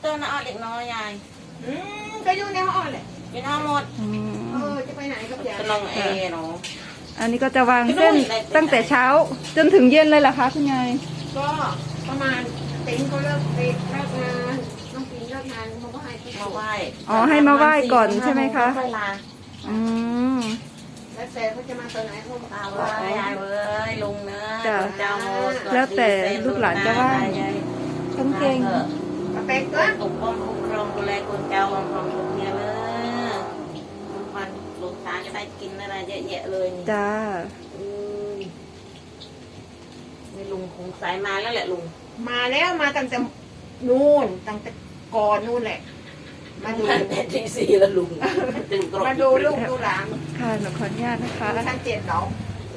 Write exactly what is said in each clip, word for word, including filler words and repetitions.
เต้าน้าอ้อเด็กน้อยยายอืมก็อยู่ในห้องแหละอยู่น้องหมดเออจะไปไหนกับยายก็น้องเอเนาะอันนี้ก็จะวางเส้นตั้งแต่เช้าจนถึงเย็นเลยเหรอคะคุณยายก็ประมาณติ๋งก็เลิกเลิกงานน้องติ๋งเลิกงานมาไหว้มาไหว้อ๋อให้มาไหว้ก่อนใช่ไหมคะอืมแล้วแต่เขาจะมาตอนไหนเขามาเอาไว้ยายเว้ยลุงเนื้อเจ้าโมแล้วแต่ลูกหลานจะว่าต้องเก่งมาเป็กตัวปกป้องคุ้มครองดูแลคนเจ้าของของลูกเนี่ยเลยวันลูกตาจะได้กินอะไรเยอะแยะเลยจ้านี่ลุงคงสายมาแล้วแหละลุงมาแล้วมาตั้งแต่นู่นตั้งแต่ก่อนนู่นแหละมาดูแต่ที่สี่แล้วลุงมาดูลูกดูหลานค่ะหนูขออนุญาตนะคะชั้นเจ็ดเนาะ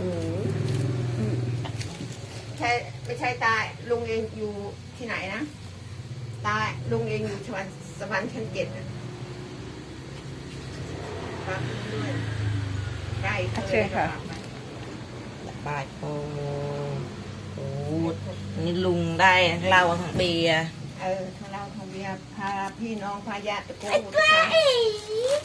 ใช่ไม่ใช่ตายลุงเองอยู่ที่ไหนนะตายลุงเองอยู่ชวันสวรรค์ชั้นเจ็ดครับด้วยใกล้เชิญค่ะบายโอ้โหนี่ลุงได้เหล้าทั้งเบียร์เออทั้งเหล้าทั้งเบียร์พาพี่น้องพาญาติตะโกน